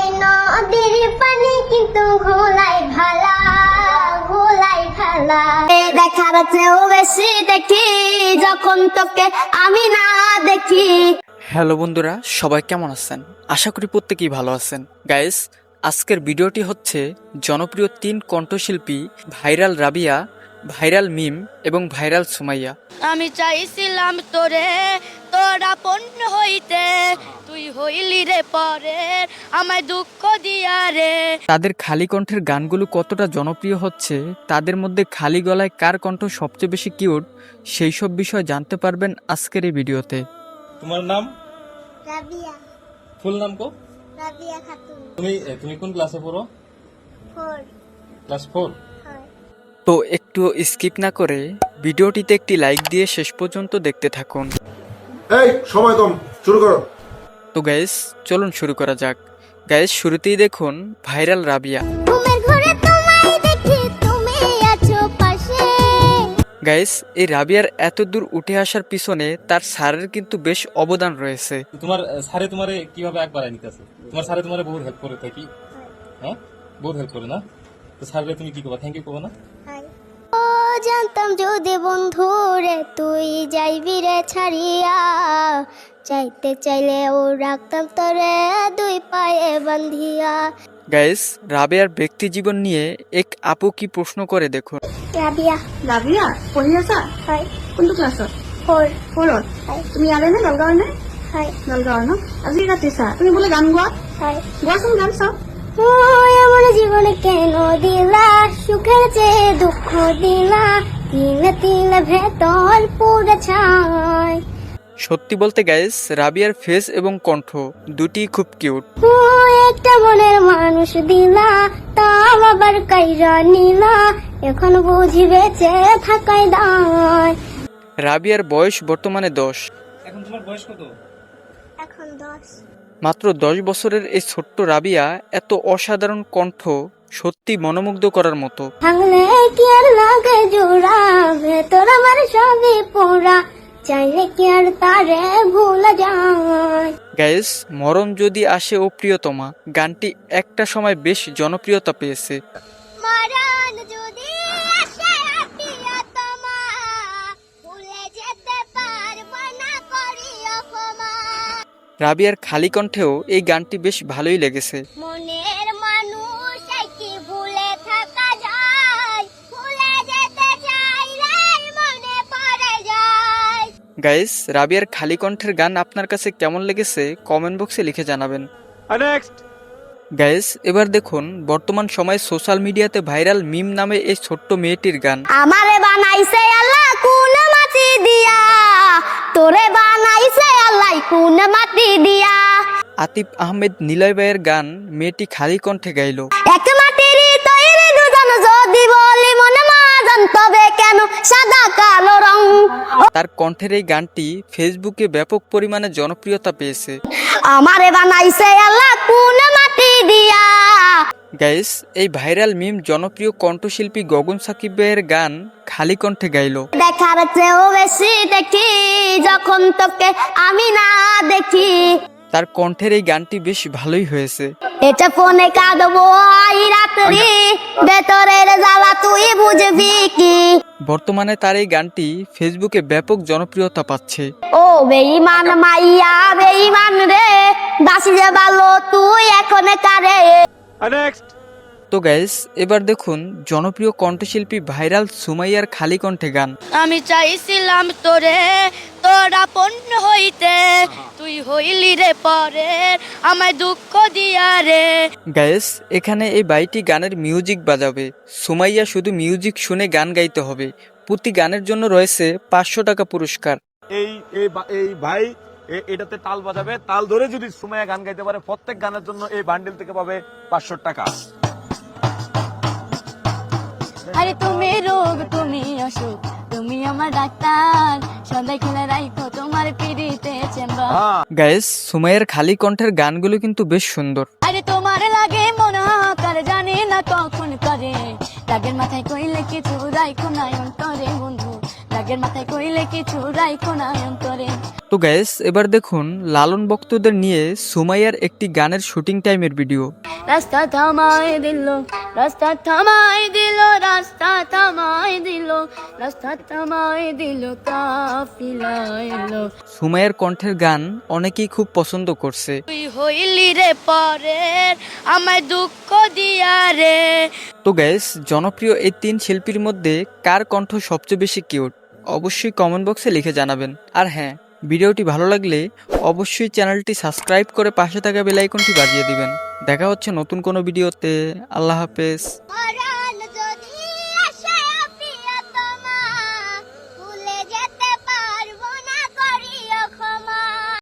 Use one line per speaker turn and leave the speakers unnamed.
এই নদীর পানি কিন্তু ঘোলাই ভালা, ঘোলাই ভালা। দেখার চেয়েও বেশি দেখি যখন তোকে আমি না দেখি।
হ্যালো বন্ধুরা, সবাই কেমন আছেন? আশা করি প্রত্যেকেই ভালো আছেন। গাইস, আজকের ভিডিওটি হচ্ছে জনপ্রিয় 3 কণ্ঠশিল্পী ভাইরাল রাবিয়া, ভাইরাল মিম এবং ভাইরাল সুমাইয়া।
আমি চাইছিলাম তোরে তোরা পণ্য হইতে, তুই হইলি রে পরে আমায় দুঃখ দিয়া রে।
তাদের খালি কণ্ঠের গানগুলো কতটা জনপ্রিয় হচ্ছে, তাদের মধ্যে খালি গলায় কার কণ্ঠ সবচেয়ে বেশি কিউট, সেই সব বিষয় জানতে পারবেন আজকের এই ভিডিওতে।
তোমার নাম?
রাবিয়া,
ফুল নাম কো?
রাবিয়া খাতুন।
তুমি কোন ক্লাসে পড়ো?
4
ক্লাস 4।
হয়।
তো একটু স্কিপ না করে ভিডিওটিতে একটি লাইক দিয়ে শেষ পর্যন্ত দেখতে থাকুন।
এই সময় কম, শুরু করো।
তো গাইস, চলুন শুরু করা যাক। গাইস, শুরুতেই দেখুন ভাইরাল রাবিয়া।
ঘুমের ঘরে তোমায় দেখি, তুমি আছো পাশে।
গাইস, এই রাবিয়ার এত দূর উঠে আসার পিছনে তার স্যারের কিন্তু বেশ অবদান রয়েছে।
তোমার স্যারে তোমারে কিভাবে একবার নিতেছে? তোমার স্যারে তোমারে বহুত হেল্প করে থাকি, হ্যাঁ বহুত হেল্প করে না? তো স্যারকে তুমি কি করবা? থ্যাংক ইউ করবা না?
ও জানতাম যদি বন্ধু রে তুই যাইবি রে ছাড়িয়া, চাইতে চাইলে ও রাখতাম তোরে দুই পায়ে বান্ধিয়া।
গাইস, রাবিয়ার ব্যক্তি জীবন নিয়ে এক আপু কি প্রশ্ন করে দেখুন।
রাবিয়া,
লাভিয়া পঢ়ি আছা?
হয়।
কোনটো ক্লাছত?
4
ফ'ৰত।
হয়।
তুমি ইয়াৰে নে নলগাঁৱৰ নে?
হয়।
নলগাঁৱৰ ন? আজি কাটিছা, তুমি বোলে গান গোৱা?
হয়।
গোৱাচোন গান চাওঁ।
ও এমন জীবনে কেন দিলা, সুখের চেয়ে দুঃখ দিলা, তিলে তিলে ভেতর পুরে ছাই।
সত্যি বলতে গাইস, রাবিয়ার ফেস এবং কণ্ঠ দুটি খুব কিউট।
ও একটা মনের মানুষ দিলা, তাও আবার কাইরা নিলা, এখন বুঝি বেঁচে থাকাই দায়।
রাবিয়ার বয়স বর্তমানে 10।
এখন তোমার বয়স কত?
এখন 10।
মাত্র 10 বছরের এই ছোট্ট রাবিয়া এত অসাধারণ কণ্ঠ সত্যি মনোমুগ্ধ করার মতো।
ভাঙলে কি আর লাগে জোড়া, ভেতর আমার সবই পোড়া, চাইলে কি আর তারে ভুলা যায়।
গাইস, মরণ যদি আসে ও প্রিয়তমা গানটি একটা সময় বেশ জনপ্রিয়তা পেয়েছে।
মরণ যদি আসে প্রিয়তমা, ভুলে যেতে পারবো না করিও ক্ষমা।
রাবিয়ার খালি কণ্ঠেও এই গানটি বেশ ভালোই লেগেছে।
মনের মানুষ কি ভুলে থাকা যায়, ভুলে যেতে চাইলে মনে পড়ে যায়।
গাইস, রাবিয়ার খালি কণ্ঠের গান আপনার কাছে কেমন লেগেছে কমেন্ট বক্সে লিখে জানাবেন। গাইস, এবার দেখুন বর্তমান সময়ে সোশ্যাল মিডিয়াতে ভাইরাল মিম নামে এই ছোট্ট মেয়েটির গান।
আমারে বানাইছে আল্লাহ কোন মাটি দিয়া, তোরে বানাইছে আল্লাহ কোন মাটি দিয়া।
আতিফ আহমেদ নিলয় ভাইয়ের গান মেয়েটি খালি কণ্ঠে গাইল।
এক মাটির তৈরি দুজন যদি বলি মনে মাজন, তবে কেন সাদা কালো রং।
তার কণ্ঠের এই গানটি ফেসবুকে ব্যাপক পরিমাণে জনপ্রিয়তা পেয়েছে।
আমারে বানাইছে আল্লাহ কোন মাটি দিয়া।
গাইস, এই ভাইরাল মিম জনপ্রিয় কণ্ঠশিল্পী গগন সাকিব ভাইয়ের গান খালি কণ্ঠে গাইল।
দেখার চেয়েও বেশি দেখি যখন তোকে আমি না দেখি।
তার কণ্ঠের এই গানটি বেশ ভালোই হয়েছে।
এটা ফোনে কাঁদবো আই রাত্রি, ভেতরের জ্বালা তুই বুঝবি কি।
বর্তমানে তার এই গানটি ফেসবুকে ব্যাপক জনপ্রিয়তা পাচ্ছে।
ও বেঈমান মাইয়া বেঈমান রে, বাসি যে ভালো তুই এখন কারে।
তো গাইস, এবার দেখুন জনপ্রিয় কণ্ঠশিল্পী ভাইরাল সুমাইয়ার খালি কণ্ঠে গান।
আমি চাইছিলাম তোরে তোরা পণ্য হইতে, তুই হইলি রে পরে আমায় দুঃখ দিয়া রে।
গাইস, এখানে এই বাইটি গানের মিউজিক বাজাবে। সুমাইয়া শুধু মিউজিক শুনে গান গাইতে হবে। প্রতি গানের জন্য রয়েছে 500 টাকা পুরস্কার।
এই ভাই এটাতে তাল বাজাবে, তাল ধরে যদি সুমাইয়া গান গাইতে পারে প্রত্যেক গানের জন্য এই বান্ডেল থেকে পাবে 500 টাকা।
আরে তুমি রোগ তুমি অসুখ, তুমি আমার ডাক্তার, সন্ধ্যা খেলে রাখো তোমার পিড়িতে চেম্বার।
গাইস, সুমাইয়ার খালি কণ্ঠের গানগুলো কিন্তু বেশ সুন্দর।
আরে তোমার লাগে মনে হাকার, জানি না কখন করে, রাগের মাথায় কইলে কিছু রাইখো না অন্তরে বন্ধু। রাগের মাথায় কইলে কিছু রাইখো না অন্তরে।
তো গ্যাস এবার দেখুন লালন ভক্তদের নিয়ে সুমাইয়ার একটি গানের শুটিং টাইমের ভিডিও।
রাস্তা থামাই দিল, রাস্তা থামাই দিল, রাস্তা থামাই দিল, রাস্তা থামাই দিল, কাফিলা এলো।
সুমাইয়ার কণ্ঠের গান অনেকেই খুব পছন্দ করছে।
তুই হইলি রে পরের, আমায় দুঃখ দিয়া রে।
তো গ্যাস জনপ্রিয় এই 3 শিল্পীর মধ্যে কার কণ্ঠ সবচেয়ে বেশি কিউট অবশ্যই কমেন্ট বক্সে লিখে জানাবেন। আর হ্যাঁ, ভিডিওটি ভালো লাগলে অবশ্যই চ্যানেলটি সাবস্ক্রাইব করে পাশে থাকা বেল আইকনটি বাজিয়ে দিবেন। দেখা হচ্ছে নতুন কোনো ভিডিওতে। আল্লাহ হাফেজ।